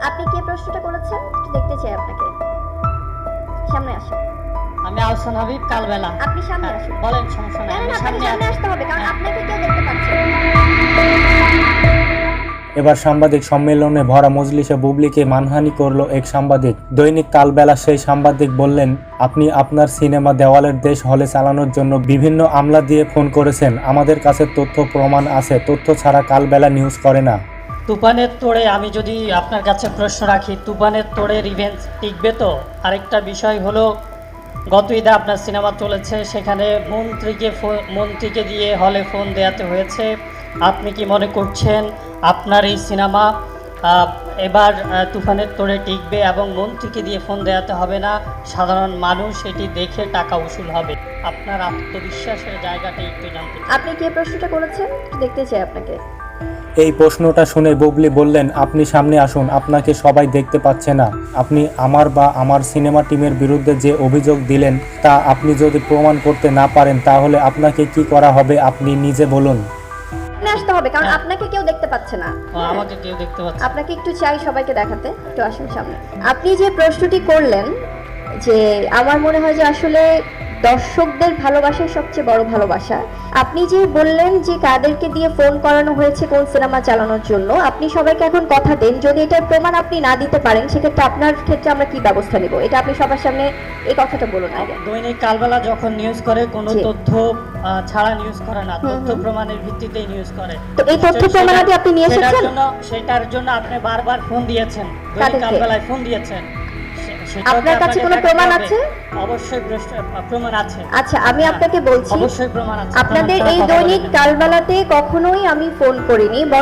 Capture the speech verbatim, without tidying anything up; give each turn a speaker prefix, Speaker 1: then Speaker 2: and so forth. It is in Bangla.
Speaker 1: আপনি কে প্রশ্নটা করেছেন একটু দেখতে চাই আপনাকে। সামনে আসুন।
Speaker 2: আমি আহসান হাবিব কালবেলা।
Speaker 1: আপনি সামনে
Speaker 2: হ্যাঁ,
Speaker 1: আসুন।
Speaker 2: বলেন, সমস্যা
Speaker 1: না
Speaker 2: নাই,
Speaker 1: না
Speaker 2: আমি
Speaker 1: না, আপনাকে
Speaker 2: সামনে
Speaker 1: সামনে
Speaker 2: আছি।
Speaker 1: আসতে হবে কারণ
Speaker 2: হ্যাঁ।
Speaker 1: আপনাকে কেউ দেখতে পাচ্ছে না।
Speaker 3: এবার সাংবাদিক সম্মেলনে ভরা মজলিসে বুবলিকে মানহানি করল এক সাংবাদিক। দৈনিক কালবেলা সেই সাংবাদিক বললেন, আপনি আপনার সিনেমা দেওয়ালের দেশ হলে চালানোর জন্য বিভিন্ন আমলা দিয়ে ফোন করেছেন। আমাদের কাছে তথ্য প্রমাণ আছে, তথ্য ছাড়া কালবেলা নিউজ করে না।
Speaker 2: তুফানের তোড়ে আমি যদি আপনার কাছে প্রশ্ন রাখি, তুফানের তোড়ে রিভেঞ্জ টিকবে তো? আরেকটা বিষয় হলো, গত ঈদে আপনার সিনেমা চলেছে, সেখানে মন্ত্রীকে ফো- মন্ত্রীকে দিয়ে হলে ফোন দেওয়াতে হয়েছে। আপনি কি মনে করছেন আপনার এই সিনেমা আহ, এবার আহ, তুফানের তোড়ে টিকবে এবং মন্ত্রীকে দিয়ে ফোন দেওয়াতে হবে না, সাধারণ মানুষ এটি দেখে টাকা উসুল হবে? আপনার আত্মবিশ্বাসের জায়গাটা একটু জানতে চাই।
Speaker 1: আপনি কে প্রশ্নটা করেছেন একটু দেখতে চাই আপনাকে।
Speaker 3: এই প্রশ্নটা শুনে বুবলি বললেন, আপনি সামনে আসুন, আপনাকে সবাই দেখতে পাচ্ছে না। আপনি আমার বা আমার সিনেমা টিমের বিরুদ্ধে যে অভিযোগ দিলেন তা আপনি যদি প্রমাণ করতে না পারেন তাহলে আপনাকে কি করা হবে আপনি নিজে বলুন।
Speaker 1: সামনে আসতে হবে কারণ
Speaker 2: হ্যাঁ।
Speaker 1: আপনাকে কেউ দেখতে পাচ্ছে না।
Speaker 2: ও, আমাকে কেউ দেখতে পাচ্ছে?
Speaker 1: আপনাকে একটু চাই সবাইকে দেখাতে, একটু আসুন সামনে। আপনি যে প্রশ্নটি করলেন যে আমার মনে হয় যে আসলে দর্শকদের ভালোবাসাই সবচেয়ে বড় ভালোবাসা। আপনি যে বললেন যে কাদেরকে দিয়ে ফোন করানো হয়েছে কোন সিনেমা চালানোর জন্য, আপনি সবাইকে এখন কথা দেন, যদি এটার প্রমাণ আপনি না দিতে পারেন সেক্ষেত্রে আপনার ক্ষেত্রে আমরা কি ব্যবস্থা নেব, এটা আপনি সবার সামনে এই কথাটা বলুন আগে।
Speaker 2: দৈনিক কালবেলা যখন নিউজ করে কোনো
Speaker 1: জি।
Speaker 2: তথ্য আহ, ছাড়া নিউজ করে না,
Speaker 1: হুম,
Speaker 2: তথ্য
Speaker 1: হুম।
Speaker 2: প্রমাণের ভিত্তিতেই নিউজ করে।
Speaker 1: তো এই তথ্য
Speaker 2: সেটা-
Speaker 1: প্রমাণাদি আপনি নিয়ে
Speaker 2: সেটার
Speaker 1: এসেছেন?
Speaker 2: জন্য সেটার জন্য আপনি বারবার ফোন দিয়েছেন, দৈনিক
Speaker 1: কাদেরকে?
Speaker 2: কালবেলায় ফোন দিয়েছেন। সে- সেটাও কি
Speaker 1: আপনার কাছে
Speaker 2: আপনাকে
Speaker 1: কোনো
Speaker 2: দেখাতে
Speaker 1: প্রমাণ
Speaker 2: হবে?
Speaker 1: আছে?
Speaker 2: অবশ্যই প্রশ্ন- প্রমাণ আছে।
Speaker 1: আচ্ছা আমি
Speaker 2: হ্যাঁ,
Speaker 1: আপনাকে বলছি,
Speaker 2: অবশ্যই প্রমাণ আছে।
Speaker 1: আপনাদের
Speaker 2: প্রমাণ ছাড়া
Speaker 1: এই
Speaker 2: কথা
Speaker 1: দৈনিক
Speaker 2: বলেন না।
Speaker 1: কালবেলাতে কখনোই আমি ফোন করিনি।